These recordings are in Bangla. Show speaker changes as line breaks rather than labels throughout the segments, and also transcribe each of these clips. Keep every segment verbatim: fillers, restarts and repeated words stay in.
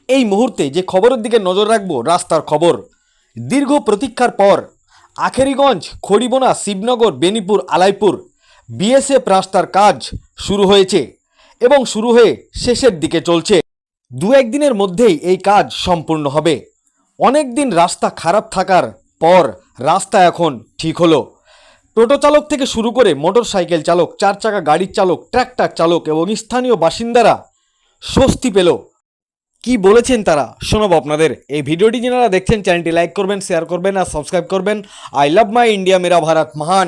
এই মুহূর্তে যে খবরের দিকে নজর রাখবো, রাস্তার খবর। দীর্ঘ প্রতীক্ষার পর আখেরিগঞ্জ, খড়িবোনা, শিবনগর, বেনিপুর, আলাইপুর বিএসএফ রাস্তার কাজ শুরু হয়েছে এবং শুরু হয়ে শেষের দিকে চলছে। দু একদিনের মধ্যেই এই কাজ সম্পূর্ণ হবে। অনেক দিন রাস্তা খারাপ থাকার পর রাস্তা এখন ঠিক হলো। টোটো চালক থেকে শুরু করে মোটর সাইকেল চালক, চার চাকা গাড়ির চালক, ট্র্যাক্টর চালক এবং স্থানীয় বাসিন্দারা স্বস্তি পেল। কি বলেছেন তারা শোনাবো আপনাদের। এই ভিডিওটি যারা দেখছেন চ্যানেলটি লাইক করবেন, শেয়ার করবেন আর সাবস্ক্রাইব করবেন। আই লাভ মাই ইন্ডিয়া, মেরা ভারত মহান।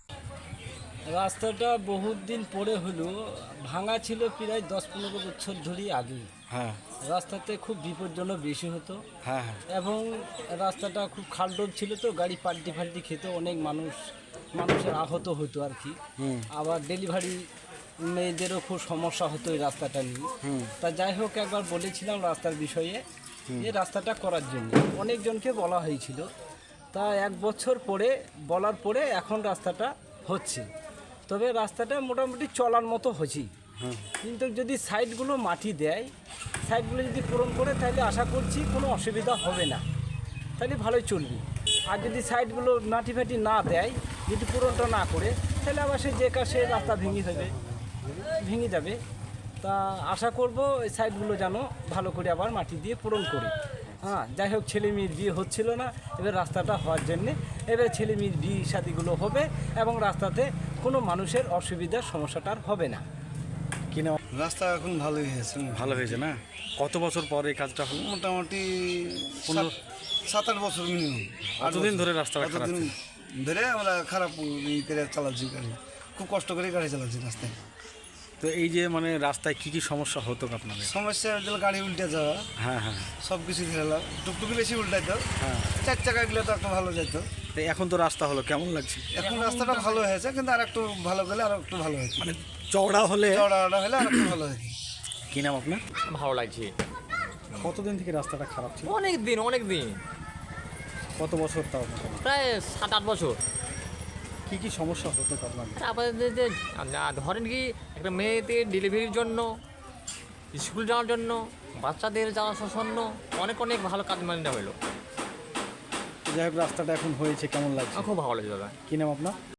রাস্তাটা বহুত দিন পরে হলো ভাঙা ছিল, প্রায় দশ পনেরো বছর ধরেই আগে।
হ্যাঁ
রাস্তাতে খুব বিপজ্জনক বেশি হতো
হ্যাঁ হ্যাঁ
এবং রাস্তাটা খুব খালডোব ছিল, তো গাড়ি পাল্টি ফাল্টি খেত, অনেক মানুষ মানুষের আহত হতো আর কি। আবার ডেলিভারি মেয়েদেরও খুব সমস্যা হতো এই রাস্তাটা নিয়ে। তা যাই হোক, একবার বলেছিলাম রাস্তার বিষয়ে যে রাস্তাটা করার জন্য অনেকজনকে বলা হয়েছিল। তা এক বছর পরে বলার পরে এখন রাস্তাটা হচ্ছে। তবে রাস্তাটা মোটামুটি চলার মতো হচ্ছে, কিন্তু যদি সাইডগুলো মাটি দেয়, সাইডগুলো যদি পূরণ করে, তাহলে আশা করছি কোনো অসুবিধা হবে না, তাহলে ভালোই চলবে। আর যদি সাইডগুলো মাটি ফাটি না দেয়, যদি পূরণটা না করে, তাহলে আবার সে যে কাছে রাস্তা ভেঙে যাবে ভেঙে যাবে তা আশা করব এই সাইডগুলো যেন ভালো করে আবার মাটি দিয়ে পূরণ করে। হ্যাঁ, যাই হোক, ছেলে মেয়ের বিয়ে হচ্ছিল না, এবার রাস্তাটা হওয়ার জন্যে এবার ছেলে মেয়ের বিয়ে শাদিগুলো হবে এবং রাস্তাতে কোনো মানুষের অসুবিধার সমস্যাটা আর হবে না।
কিনা
রাস্তা এখন ভালোই হয়েছে,
ভালো হয়েছে না? কত বছর পর এই কাজটা হলো?
মোটামুটি
পনেরো
সাত- সাত আট বছর মিনিমাম।
কতদিন ধরে রাস্তাটা খারাপ
কতদিন ধরে আমরা খারাপ ই করে চালাচ্ছি গাড়ি, খুব কষ্ট করে গাড়ি চালাচ্ছি রাস্তায়।
তো এই যে মানে রাস্তায় কি কি সমস্যা হতো আপনাদের?
সমস্যা হলে গাড়ি উল্টে যাওয়া,
হ্যাঁ হ্যাঁ
সব কিছু ধরেলাম, টুকটুকি বেশি উল্টাইতো,
হ্যাঁ।
চার চাকা গেলে তো একটু ভালো যেত।
তো এখন তো রাস্তা হলো, কেমন লাগছে?
এখন রাস্তাটা ভালো হয়েছে, কিন্তু আর একটু ভালো গেলে আর একটু ভালো হয়েছে,
মানে চওড়া হলে।
চড়া হলে আর একটু ভালো হয়েছে।
কি নাম আপনার?
ভালো লাগছে।
কতদিন থেকে রাস্তাটা খারাপ ছিল?
অনেক দিন অনেক দিন
কত বছর তাও?
প্রায় সাত আট বছর।
কি কি সমস্যা হতো আপনাদের?
তারপরে যে- যে আ- ধরেন কি, একটা মেয়েদের ডেলিভারির জন্য, স্কুল যাওয়ার জন্য, বাচ্চাদের যাওয়া আসার জন্য অনেক অনেক ভালো কাজ মানে হলো।
যাই হোক, রাস্তাটা এখন হয়েছে, কেমন লাগছে?
আমার খুব ভালো লাগছে দাদা।
কি নাম আপনার?